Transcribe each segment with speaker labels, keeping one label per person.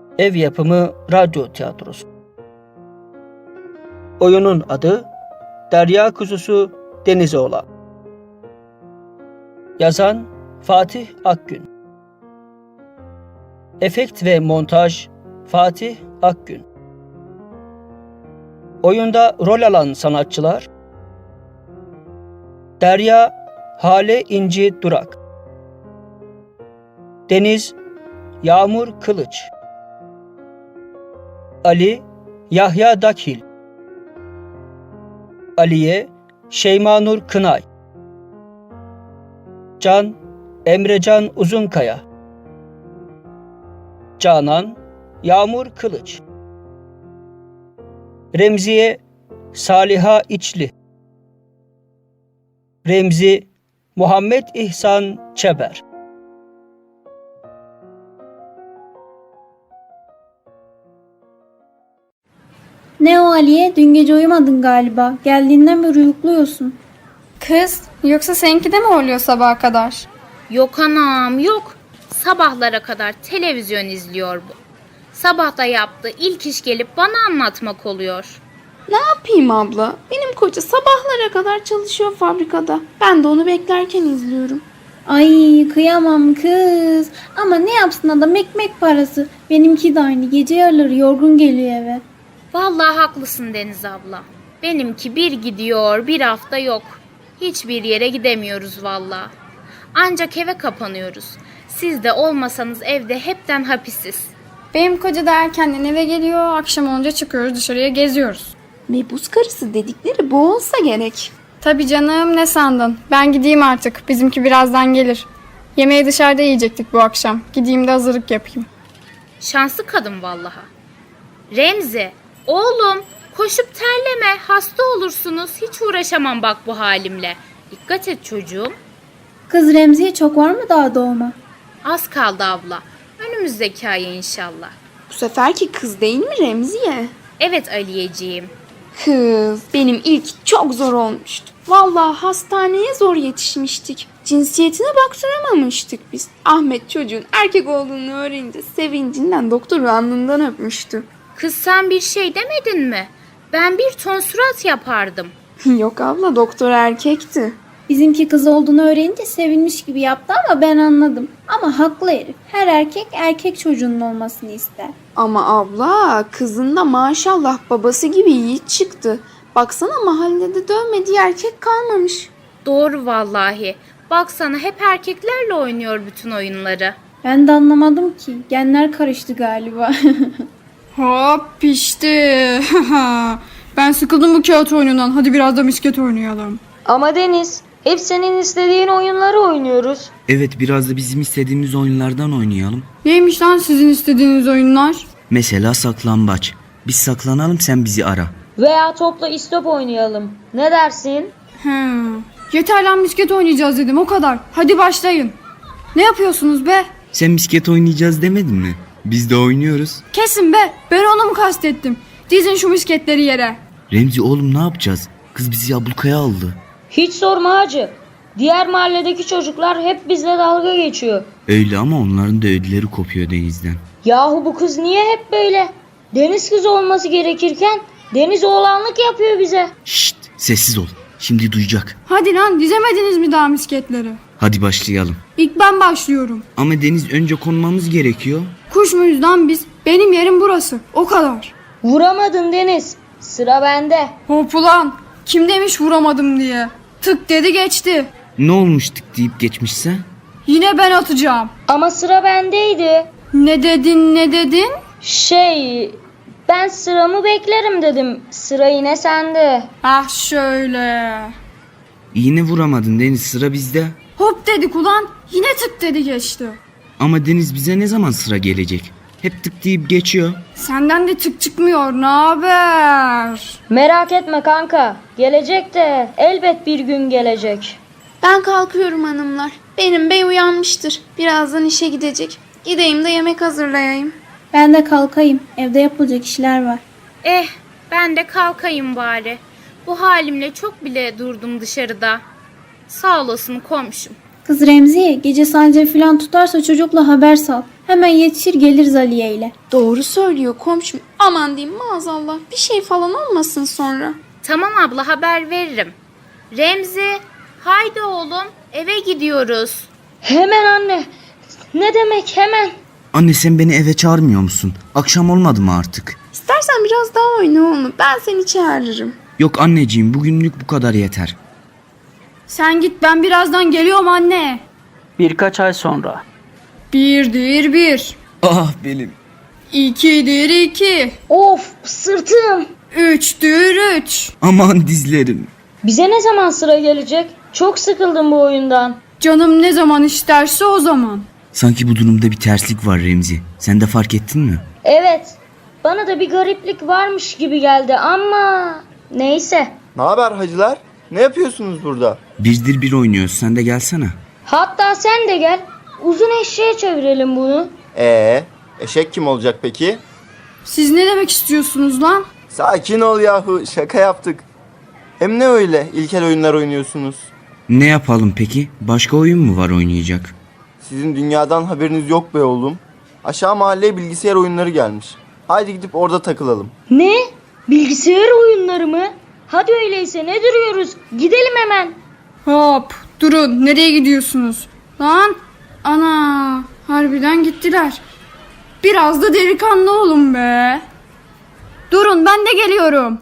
Speaker 1: Ev yapımı radyo tiyatrosu. Oyunun adı Derya Kuzusu Denize Olan. Yazan Fatih Akgün. Efekt ve montaj Fatih Akgün. Oyunda rol alan sanatçılar: Derya Hale İnci Durak, Deniz Yağmur Kılıç, Ali Yahya Dakhil, Aliye Şeymanur Kınay, Can Emrecan Uzunkaya, Canan Yağmur Kılıç, Remziye Saliha İçli, Remzi Muhammed İhsan Çeber.
Speaker 2: Ne o Aliye? Dün gece uyumadın galiba. Geldiğinden beri uyukluyorsun.
Speaker 3: Kız, yoksa seninki de mi oluyor sabaha kadar?
Speaker 4: Yok anam yok. Sabahlara kadar televizyon izliyor bu. Sabahta yaptığı ilk iş gelip bana anlatmak oluyor.
Speaker 5: Ne yapayım abla? Benim koca sabahlara kadar çalışıyor fabrikada. Ben de onu beklerken izliyorum.
Speaker 2: Ay kıyamam kız. Ama ne yapsın adam, ekmek parası. Benimki de aynı. Gece yarıları yorgun geliyor eve.
Speaker 4: Vallahi haklısın Deniz abla. Benimki bir gidiyor, bir hafta yok. Hiçbir yere gidemiyoruz vallahi. Ancak eve kapanıyoruz. Siz de olmasanız evde hepten hapisiz.
Speaker 3: Benim koca da erkenden eve geliyor, akşam olunca çıkıyoruz dışarıya geziyoruz.
Speaker 5: Mebus karısı dedikleri bu olsa gerek.
Speaker 3: Tabii canım, ne sandın? Ben gideyim artık, bizimki birazdan gelir. Yemeği dışarıda yiyecektik bu akşam. Gideyim de hazırlık yapayım.
Speaker 4: Şanslı kadın vallahi. Remzi, oğlum koşup terleme, hasta olursunuz. Hiç uğraşamam bak bu halimle. Dikkat et çocuğum.
Speaker 2: Kız Remzi'ye çok var mı daha doğuma?
Speaker 4: Az kaldı abla. Önümüzdeki ay inşallah.
Speaker 5: Bu seferki kız değil mi Remziye?
Speaker 4: Evet Aliyeciğim.
Speaker 5: Kız, benim ilk çok zor olmuştu. Vallahi hastaneye zor yetişmiştik. Cinsiyetine baktıramamıştık biz. Ahmet çocuğun erkek olduğunu öğrenince sevincinden doktoru alnından öpmüştü.
Speaker 4: Kız sen bir şey demedin mi? Ben bir ton surat yapardım.
Speaker 5: Yok abla, doktor erkekti.
Speaker 2: Bizimki kız olduğunu öğrenince sevinmiş gibi yaptı ama ben anladım. Ama haklı herif. Her erkek erkek çocuğunun olmasını ister.
Speaker 5: Ama abla, kızın da maşallah babası gibi yiğit çıktı. Baksana, mahallede dövmediği erkek kalmamış.
Speaker 4: Doğru vallahi. Baksana hep erkeklerle oynuyor bütün oyunları.
Speaker 2: Ben de anlamadım ki. Genler karıştı galiba.
Speaker 3: Hop pişti. Ben sıkıldım bu kağıt oyunundan. Hadi biraz da misket oynayalım.
Speaker 6: Ama Deniz, hep senin istediğin oyunları oynuyoruz.
Speaker 7: Evet, biraz da bizim istediğimiz oyunlardan oynayalım.
Speaker 3: Neymiş lan sizin istediğiniz oyunlar?
Speaker 7: Mesela saklambaç. Biz saklanalım, sen bizi ara.
Speaker 6: Veya topla istop oynayalım. Ne dersin?
Speaker 3: Yeter lan, misket oynayacağız dedim, o kadar. Hadi başlayın. Ne yapıyorsunuz be?
Speaker 7: Sen misket oynayacağız demedin mi? Biz de oynuyoruz.
Speaker 3: Kesin be, ben onu mu kastettim? Dizin şu misketleri yere.
Speaker 7: Remzi oğlum, ne yapacağız? Kız bizi ablukaya aldı.
Speaker 6: Hiç sorma hacı. Diğer mahalledeki çocuklar hep bizle dalga geçiyor.
Speaker 7: Öyle ama onların da ödüleri kopuyor Deniz'den.
Speaker 6: Yahu bu kız niye hep böyle? Deniz kızı olması gerekirken Deniz oğlanlık yapıyor bize.
Speaker 7: Şşt, sessiz ol. Şimdi duyacak.
Speaker 3: Hadi lan, dizemediniz mi daha misketleri?
Speaker 7: Hadi başlayalım.
Speaker 3: İlk ben başlıyorum.
Speaker 7: Ama Deniz, önce konmamız gerekiyor.
Speaker 3: Kuş muyuz lan biz? Benim yerim burası, o kadar.
Speaker 6: Vuramadın Deniz. Sıra bende.
Speaker 3: Hop ulan, kim demiş vuramadım diye? Tık dedi geçti.
Speaker 7: Ne olmuştuk deyip geçmişse?
Speaker 3: Yine ben atacağım.
Speaker 6: Ama sıra bendeydi.
Speaker 3: Ne dedin?
Speaker 6: Ben sıramı beklerim dedim. Sıra yine sende.
Speaker 3: Ah şöyle.
Speaker 7: Yine vuramadın Deniz, sıra bizde.
Speaker 3: Hop dedik ulan, yine tık dedi geçti.
Speaker 7: Ama Deniz, bize ne zaman sıra gelecek? Hep tık deyip geçiyor.
Speaker 3: Senden de tık çıkmıyor, ne haber?
Speaker 6: Merak etme kanka. Gelecek de elbet bir gün gelecek.
Speaker 5: Ben kalkıyorum hanımlar. Benim bey uyanmıştır. Birazdan işe gidecek. Gideyim de yemek hazırlayayım.
Speaker 2: Ben de kalkayım. Evde yapılacak işler var.
Speaker 4: Ben de kalkayım bari. Bu halimle çok bile durdum dışarıda. Sağ olasın komşum.
Speaker 2: Kız Remziye, gece sancı falan tutarsa çocukla haber sal. Hemen yetişir geliriz Aliye ile.
Speaker 5: Doğru söylüyor komşum. Aman diyeyim maazallah bir şey falan olmasın sonra.
Speaker 4: Tamam abla, haber veririm. Remzi, haydi oğlum, eve gidiyoruz.
Speaker 6: Hemen anne. Ne demek hemen?
Speaker 7: Anne sen beni eve çağırmıyor musun? Akşam olmadı mı artık?
Speaker 5: İstersen biraz daha oyna oğlum. Ben seni çağırırım.
Speaker 7: Yok anneciğim bugünlük bu kadar yeter.
Speaker 3: Sen git, ben birazdan geliyorum anne.
Speaker 1: Birkaç ay sonra.
Speaker 3: Birdir bir.
Speaker 7: Ah benim.
Speaker 3: İkidir iki.
Speaker 6: Of sırtım.
Speaker 3: Üçtür üç.
Speaker 7: Aman dizlerim.
Speaker 6: Bize ne zaman sıra gelecek? Çok sıkıldım bu oyundan.
Speaker 3: Canım ne zaman isterse o zaman.
Speaker 7: Sanki bu durumda bir terslik var Remzi. Sen de fark ettin mi?
Speaker 6: Evet. Bana da bir gariplik varmış gibi geldi ama neyse.
Speaker 8: Ne haber hacılar? Ne yapıyorsunuz burada?
Speaker 7: Birdir bir oynuyoruz. Sen de gelsene.
Speaker 6: Hatta sen de gel. Uzun eşeğe çevirelim bunu.
Speaker 8: Eşek kim olacak peki?
Speaker 3: Siz ne demek istiyorsunuz lan?
Speaker 8: Sakin ol yahu, şaka yaptık. Hem ne öyle ilkel oyunlar oynuyorsunuz?
Speaker 7: Ne yapalım peki? Başka oyun mu var oynayacak?
Speaker 8: Sizin dünyadan haberiniz yok be oğlum. Aşağı mahalleye bilgisayar oyunları gelmiş. Haydi gidip orada takılalım.
Speaker 6: Ne? Bilgisayar oyunları mı? Hadi öyleyse ne duruyoruz? Gidelim hemen.
Speaker 3: Hop, durun, nereye gidiyorsunuz? Lan, ana, harbiden gittiler. Biraz da delikanlı olun be. Durun, ben de geliyorum.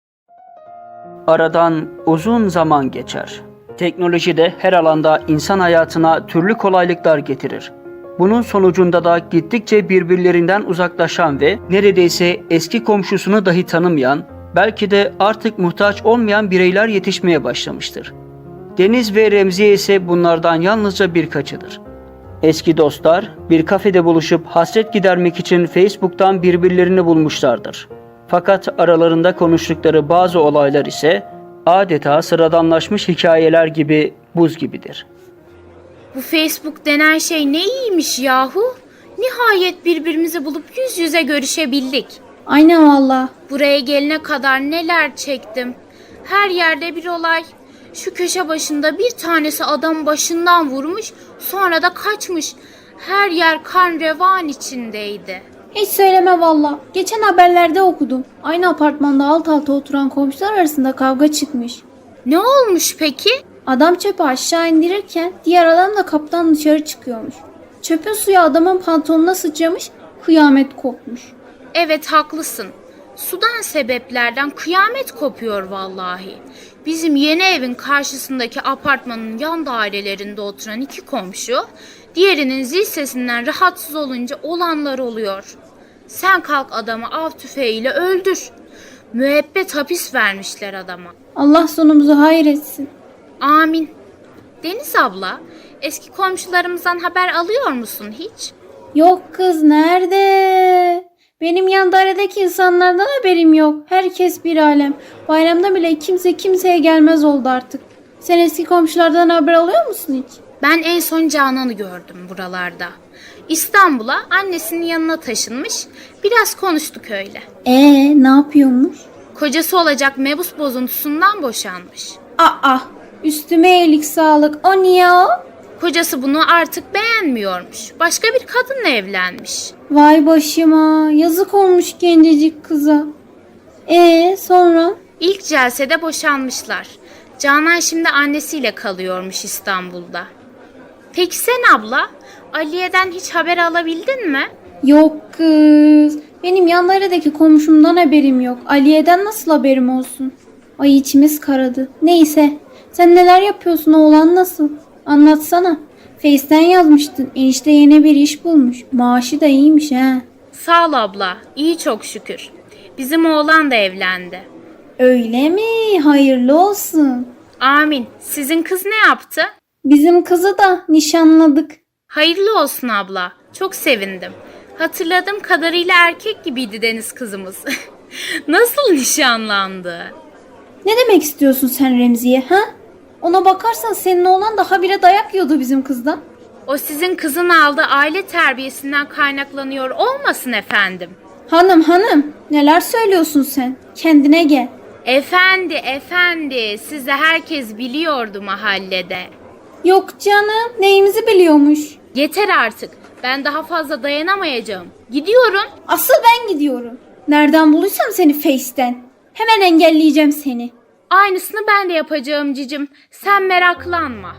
Speaker 1: Aradan uzun zaman geçer. Teknoloji de her alanda insan hayatına türlü kolaylıklar getirir. Bunun sonucunda da gittikçe birbirlerinden uzaklaşan ve neredeyse eski komşusunu dahi tanımayan, belki de artık muhtaç olmayan bireyler yetişmeye başlamıştır. Deniz ve Remziye ise bunlardan yalnızca birkaçıdır. Eski dostlar bir kafede buluşup hasret gidermek için Facebook'tan birbirlerini bulmuşlardır. Fakat aralarında konuştukları bazı olaylar ise adeta sıradanlaşmış hikayeler gibi buz gibidir.
Speaker 4: Bu Facebook denen şey ne iyiymiş yahu. Nihayet birbirimizi bulup yüz yüze görüşebildik.
Speaker 2: Aynen valla.
Speaker 4: Buraya gelene kadar neler çektim. Her yerde bir olay. Şu köşe başında bir tanesi adam başından vurmuş, sonra da kaçmış. Her yer kan revan içindeydi.
Speaker 2: Hiç söyleme valla. Geçen haberlerde okudum. Aynı apartmanda alt alta oturan komşular arasında kavga çıkmış.
Speaker 4: Ne olmuş peki?
Speaker 2: Adam çöpü aşağı indirirken diğer adam da kaptan dışarı çıkıyormuş. Çöpün suyu adamın pantolonuna sıçramış, kıyamet kopmuş.
Speaker 4: Evet haklısın. Sudan sebeplerden kıyamet kopuyor vallahi. Bizim yeni evin karşısındaki apartmanın yan dairelerinde oturan iki komşu, diğerinin zil sesinden rahatsız olunca olanlar oluyor. Sen kalk adamı av tüfeğiyle öldür. Müebbet hapis vermişler adama.
Speaker 2: Allah sonumuzu hayır etsin.
Speaker 4: Amin. Deniz abla, eski komşularımızdan haber alıyor musun hiç?
Speaker 2: Yok kız nerede? Benim yan dairedeki insanlardan haberim yok. Herkes bir alem. Bayramda bile kimse kimseye gelmez oldu artık. Sen eski komşulardan haber alıyor musun hiç?
Speaker 4: Ben en son Canan'ı gördüm buralarda. İstanbul'a annesinin yanına taşınmış. Biraz konuştuk öyle.
Speaker 2: Ne yapıyormuş?
Speaker 4: Kocası olacak mebus bozuntusundan boşanmış.
Speaker 2: Aa, üstüme iyilik sağlık. O niye o?
Speaker 4: Kocası bunu artık beğenmiyormuş. Başka bir kadınla evlenmiş.
Speaker 2: Vay başıma. Yazık olmuş gencecik kıza. Sonra?
Speaker 4: İlk celsede boşanmışlar. Canan şimdi annesiyle kalıyormuş İstanbul'da. Peki sen abla, Aliye'den hiç haber alabildin mi?
Speaker 2: Yok kız. Benim yan dairedeki komşumdan haberim yok. Aliye'den nasıl haberim olsun? Ay içimiz karadı. Neyse. Sen neler yapıyorsun, oğlan nasıl? Anlatsana. Face'ten yazmıştın. Enişte yeni bir iş bulmuş. Maaşı da iyiymiş ha.
Speaker 4: Sağ ol abla, iyi çok şükür. Bizim oğlan da evlendi.
Speaker 2: Öyle mi? Hayırlı olsun.
Speaker 4: Amin. Sizin kız ne yaptı?
Speaker 2: Bizim kızı da nişanladık.
Speaker 4: Hayırlı olsun abla. Çok sevindim. Hatırladığım kadarıyla erkek gibiydi Deniz kızımız. Nasıl nişanlandı?
Speaker 2: Ne demek istiyorsun sen Remziye ha? Ona bakarsan senin oğlan daha bire dayak yiyordu bizim kızdan.
Speaker 4: O sizin kızın aldığı aile terbiyesinden kaynaklanıyor olmasın efendim.
Speaker 2: Hanım neler söylüyorsun sen? Kendine gel.
Speaker 4: Efendi sizi herkes biliyordu mahallede.
Speaker 2: Yok canım neyimizi biliyormuş.
Speaker 4: Yeter artık. Ben daha fazla dayanamayacağım. Gidiyorum.
Speaker 2: Asıl ben gidiyorum. Nereden bulursam seni Face'ten. Hemen engelleyeceğim seni.
Speaker 4: Aynısını ben de yapacağım cicim. Sen meraklanma.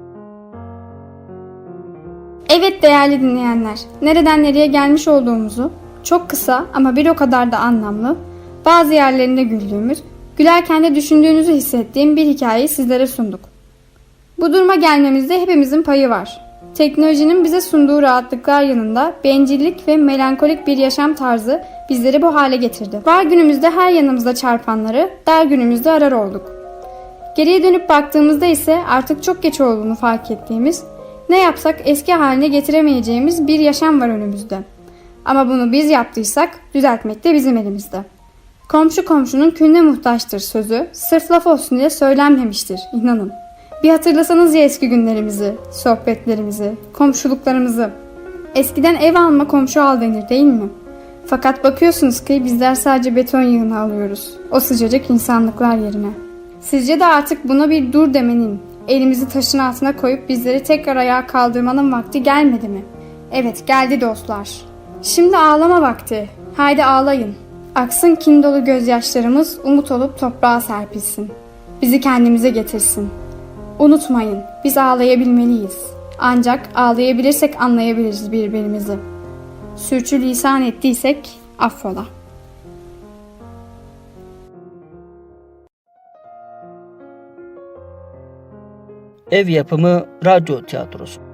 Speaker 3: Evet değerli dinleyenler, nereden nereye gelmiş olduğumuzu çok kısa ama bir o kadar da anlamlı, bazı yerlerinde güldüğümüz, gülerken de düşündüğünüzü hissettiğim bir hikayeyi sizlere sunduk. Bu duruma gelmemizde hepimizin payı var. Teknolojinin bize sunduğu rahatlıklar yanında bencillik ve melankolik bir yaşam tarzı bizleri bu hale getirdi. Var günümüzde her yanımızda çarpanları, dar günümüzde arar olduk. Geriye dönüp baktığımızda ise artık çok geç olduğunu fark ettiğimiz, ne yapsak eski haline getiremeyeceğimiz bir yaşam var önümüzde. Ama bunu biz yaptıysak düzeltmek de bizim elimizde. Komşu komşunun külüne muhtaçtır sözü sırf laf olsun diye söylenmemiştir, inanın. Bir hatırlasanız ya eski günlerimizi, sohbetlerimizi, komşuluklarımızı. Eskiden ev alma komşu al denir değil mi? Fakat bakıyorsunuz ki bizler sadece beton yığını alıyoruz. O sıcacık insanlıklar yerine. Sizce de artık buna bir dur demenin, elimizi taşın altına koyup bizleri tekrar ayağa kaldırmanın vakti gelmedi mi? Evet, geldi dostlar. Şimdi ağlama vakti. Haydi ağlayın. Aksın kin dolu gözyaşlarımız umut olup toprağa serpilsin. Bizi kendimize getirsin. Unutmayın, biz ağlayabilmeliyiz. Ancak ağlayabilirsek anlayabiliriz birbirimizi. Sürçülisan ettiysek affola.
Speaker 1: Ev yapımı radyo tiyatrosu.